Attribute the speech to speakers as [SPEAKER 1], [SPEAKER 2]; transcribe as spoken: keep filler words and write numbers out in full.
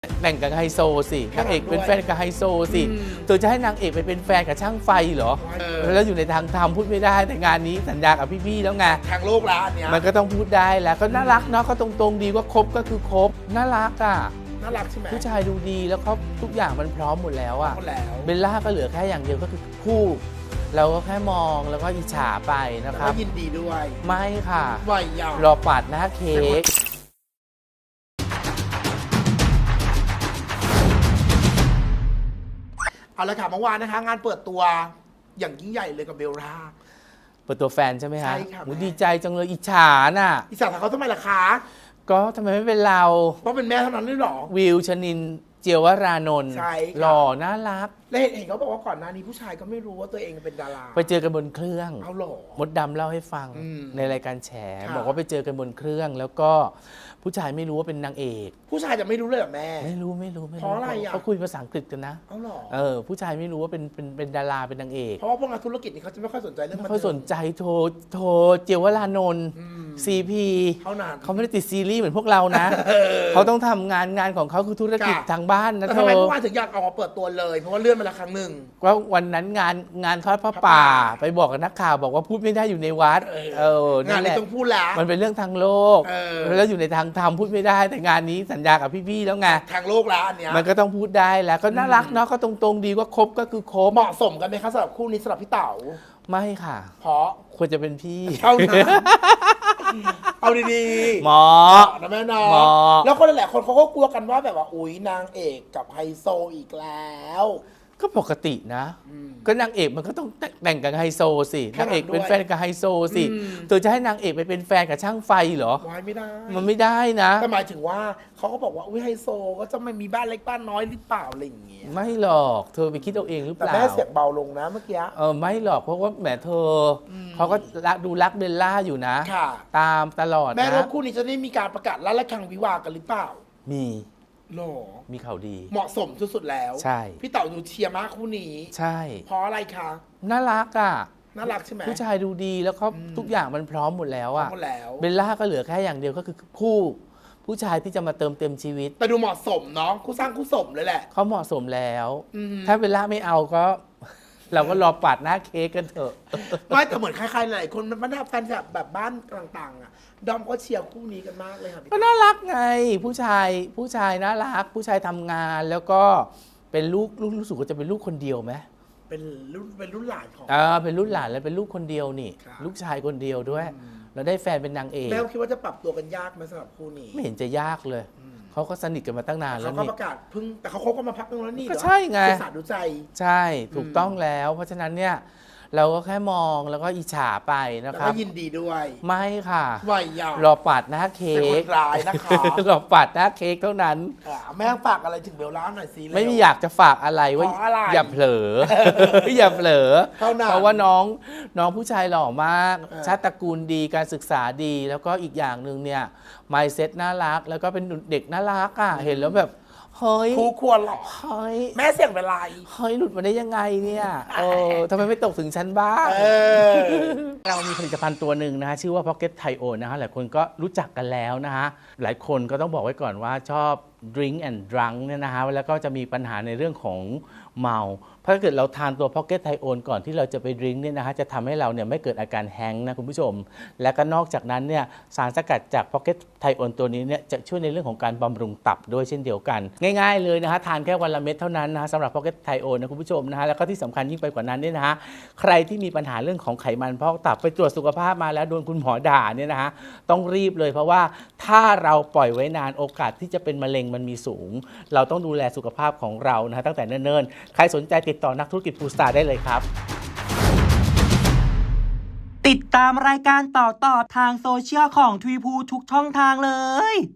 [SPEAKER 1] แต่งกับไฮโซสินางเอกเป็นแฟนกับไฮโซสิเธอจะให้นางเอกไปเป็นแฟนกับช่างไฟเหรอแล้วอยู่ในทางธรรมพูดไม่ได้แต่งานนี้สัญญากับพี่ๆแล้วไง
[SPEAKER 2] ทางโลกละอันเนี้ย
[SPEAKER 1] มันก็ต้องพูดได้แล้วก็น่ารักเนาะก็ตรงๆดีว่าคบก็คือคบน่ารักอ่ะ
[SPEAKER 2] น่ารักใช่ไหม
[SPEAKER 1] ผู้ชายดูดีแล้วเขาทุกอย่างมันพร้อมหมดแล้วอ่ะเบลล่าก็เหลือแค่อย่างเดียวก็คือคู่เราก็แค่มองแล้วก็อิจฉาไปนะครับ
[SPEAKER 2] ยินดีด้วย
[SPEAKER 1] ไม่ค่ะ
[SPEAKER 2] วัยยาว
[SPEAKER 1] รอปาดหน้าเค้ก
[SPEAKER 2] เอาละค่ะเมื่อวานนะคะงานเปิดตัวอย่างยิ่งใหญ่เลยกับเบลล่า
[SPEAKER 1] เปิดตัวแฟนใช่ไหมฮะ
[SPEAKER 2] ใช่ค่ะ
[SPEAKER 1] ดีใจจังเลยอิจฉาน่ะ
[SPEAKER 2] อิจฉาเขาทำไมล่ะคะ
[SPEAKER 1] ก็ทำไมไม่เป็นเรา
[SPEAKER 2] เพราะเป็นแม่เท่านั้นได้หรอ
[SPEAKER 1] วิวชนินเจียวรานนท์หล่อน่ารัก
[SPEAKER 2] และเห็นเขาบอกว่าก่อนหน้านี้ผู้ชายก็ไม่รู้ว่าตัวเองเป็นดารา
[SPEAKER 1] ไปเจอกันบนเครื่อง
[SPEAKER 2] เอาหรอ
[SPEAKER 1] มดดำเล่าให้ฟังในรายการแฉบอกว่าไปเจอกันบนเครื่องแล้วก็ผู้ชายไม่รู้ว่าเป็นนางเอก
[SPEAKER 2] ผู้ชายจะไม่รู้เลยเหรอแม่
[SPEAKER 1] ไม่รู้ไม่รู้ไม่รู้
[SPEAKER 2] เพราะอะไรอ่ะ
[SPEAKER 1] เขาคุยภาษาอังกฤษกันนะ
[SPEAKER 2] เอาหรอ
[SPEAKER 1] เออผู้ชายไม่รู้ว่าเป็นเป็นเป็นดาราเป็นนางเอก
[SPEAKER 2] เพราะว่าพวกนักธุรกิจนี่เขาจะไม่ค่อยสนใจเรื่องมัน
[SPEAKER 1] ไม่ค่อยสนใจโทรโทรเจียวรานนท์ซีพี
[SPEAKER 2] เท่านั้น
[SPEAKER 1] เขาไม่ได้ติดซีรีส์เหมือนพวกเรานะเขาต้องทำงานงานของเขาคือธุรกิจทางบ้านนะเธอ
[SPEAKER 2] ทำไมเมื่อวานถึงอยากออกมาเปิดตัวเลยเพราะว่าเลื่อนมาละครั้งหนึ่ง
[SPEAKER 1] ว่าวันนั้นงานงานทอดพระป่าไปบอกกับนักข่าวบอกว่าพูดไม่ได้อยู่ในวัดเอ
[SPEAKER 2] องานนี้ต้องพูดแล้ว
[SPEAKER 1] มันเป็นเรื่องทางโลกแล้วอยู่ในทางธรรมพูดไม่ได้แต่งานนี้สัญญากับพี่ๆแล้วไง
[SPEAKER 2] ทางโลกละอันเนี้ย
[SPEAKER 1] มันก็ต้องพูดได้แล้วก็น่ารักเนาะก็ตรงๆดีว่าคบก็คือคบ
[SPEAKER 2] เหมาะสมกันไหมคะสำหรับคู่นี้สำหรับพี่เต๋า
[SPEAKER 1] ไม่ค่ะ
[SPEAKER 2] เพราะ
[SPEAKER 1] ควรจะเป็นพี่
[SPEAKER 2] เท่านั้นเอาดี
[SPEAKER 1] ๆหมอ
[SPEAKER 2] นะแม่น้องแล้วคนหลายคนเขาก็กลัวกันว่าแบบว่าอุ๊ยนางเอกกับไฮโซอีกแล้ว
[SPEAKER 1] ก็ปกตินะก็นางเอกมันก็ต้องแต่งกับไฮโซสินางเอกเป็นแฟนกับไฮโซสิเธอจะให้นางเอกไปเป็นแฟนกับช่างไฟเหรอ
[SPEAKER 2] วายไม่ได้
[SPEAKER 1] มันไม่ได้นะ
[SPEAKER 2] แต่หมายถึงว่าเขาก็บอกว่าอุ้ยไฮโซก็จะไม่มีบ้านเล็กบ้านน้อยหรือเปล่าอะไรอย่างเงี้ย
[SPEAKER 1] ไม่หรอกเธอไปคิดเอาเองหรือเปล่า
[SPEAKER 2] แต่แม่เสียงเบาลงนะเมื่อกี้
[SPEAKER 1] เออไม่หรอกเพราะว่าแหมเธอเขาก็ดูรักเบลล่าอยู่นะตามตลอดนะ
[SPEAKER 2] แม่แล้วคู่นี้จะได้มีการประกาศลั่นระฆังวิวากันหรือเปล่า
[SPEAKER 1] มี
[SPEAKER 2] โล
[SPEAKER 1] มีข่าวดี
[SPEAKER 2] เหมาะสมสุดๆแล้ว
[SPEAKER 1] ใช่
[SPEAKER 2] พี่เต๋าดูเชียร์มากคู่นี้
[SPEAKER 1] ใช่
[SPEAKER 2] เพราะอะไรคะ
[SPEAKER 1] น่ารักอ่ะ
[SPEAKER 2] น่ารักใช่ไหม
[SPEAKER 1] ผู้ชายดูดีแล้วเขาทุกอย่างมันพร้อมหมดแล้วอ่ะเบลล่าก็เหลือแค่อย่างเดียวก็คือคู่ผู้ชายที่จะมาเติมเต็มชีวิต
[SPEAKER 2] แต่ดูเหมาะสมเนาะคู่สร้างคู่สมเลยแหละ
[SPEAKER 1] เขาเหมาะสมแล้วถ้าเบลล่าไม่เอาก็เราก็รอปาดหน้าเค้กกันเถอะ
[SPEAKER 2] ไม่แต่เหมือนใครๆหลายคนมันน่าแฟนแบบแบบบ้านต่างๆอ่ะดอมก็เชียร์คู่นี้กันมากเลยค่ะ
[SPEAKER 1] ก็น่ารักไงผู้ชายผู้ชายน่ารักผู้ชายทำงานแล้วก็เป็นลูกลูกรู้สึกว่าจะเป็นลูกคนเดียวไหม
[SPEAKER 2] เป็นรุ่นเป็นรุ่นหลานของ
[SPEAKER 1] อ่าเป็นรุ่นหลานแล้วเป็นลูกคนเดียวนี่ลูกชายคนเดียวด้วยแล้วได้แฟนเป็นนางเอก
[SPEAKER 2] แม่คิดว่าจะปรับตัวกันยากไหมสำหรับคู่นี้
[SPEAKER 1] ไม่เห็นจะยากเลยเขาก็สนิทกันมาตั้งนานแล้ว
[SPEAKER 2] นี่เขาก็ประกาศเพิ่งแต่เขาคบกันมาพักนึงแล้วนี่
[SPEAKER 1] ก็ใช่ไง
[SPEAKER 2] ศึกษาดูใจ
[SPEAKER 1] ใช่ถูกต้องแล้วเพราะฉะนั้นเนี่ยเราก็แค่มองแล้วก็อิจฉาไปนะครับ
[SPEAKER 2] แล้วก็ยินดีด้วย
[SPEAKER 1] ไม่ค่ะ
[SPEAKER 2] วัยยาว
[SPEAKER 1] รอปาดหน้าเค้ก
[SPEAKER 2] ร้ายนะคะ
[SPEAKER 1] รอปาดหน้าเค้กเท่านั้น
[SPEAKER 2] แม่ฝากอะไรถึงเบลล่าหน่อยสิ
[SPEAKER 1] ไม่อยากจะฝากอะไรว่าอย่าเผลออย่าเผลอเพราะว่าน้องน้องผู้ชายหล่อมากชาติตระกูลดีการศึกษาดีแล้วก็อีกอย่างหนึ่งเนี่ยไมซ์เซ็ตน่ารักแล้วก็เป็นเด็กน่ารักอ่ะเห็นแล้วแบบเฮ้ย
[SPEAKER 2] คู่ควรหรอ
[SPEAKER 1] เฮ้ย
[SPEAKER 2] แม่เสียงเป็นไร
[SPEAKER 1] เฮ้ยหลุดมาได้ยังไงเนี่ยเออทำไมไม่ตกถึงฉันบ้างเรามีผลิตภัณฑ์ตัวหนึ่งนะฮะชื่อว่า Pocket Thio นะฮะหลายคนก็รู้จักกันแล้วนะฮะหลายคนก็ต้องบอกไว้ก่อนว่าชอบ Drink and Drunk เนี่ยนะฮะแล้วก็จะมีปัญหาในเรื่องของเมาเพราะถ้าเกิดเราทานตัว Pocket Thio ก่อนที่เราจะไปดื่มเนี่ยนะฮะจะทำให้เราเนี่ยไม่เกิดอาการแฮงก์นะคุณผู้ชมและก็นอกจากนั้นเนี่ยสารสกัดจาก Pocket Thio ตัวนี้เนี่ยจะช่วยในเรื่องของการบำรุงตับด้วยเช่นเดียวกันง่ายๆเลยนะฮะทานแค่วันละเม็ดเท่านั้นนะสำหรับ Pocket Thio นะคุณผู้ชมนะฮะแล้วก็ที่สำคัญยิ่งไปกว่านั้นเนี่ยนะฮะใครที่มีปัญหาเรื่องของไขมันพอกตับไปตรวจสุขภาพมาแล้วโดนคุณหมอด่าเนี่ยนะฮะต้องรีบเลยเพราะว่าถ้าเราปล่อยไว้นานโอกาสที่จะเป็นมะเร็งมันมีสูงเราต้องดูแลสุขภาพของเรานะฮะตั้งแต่เนิ่นๆใครสนใจติดต่อนักธุรกิจฟูสตาร์ได้เลยครับ
[SPEAKER 3] ติดตามรายการต่อๆทางโซเชียลของทวีพูทุกช่องทางเลย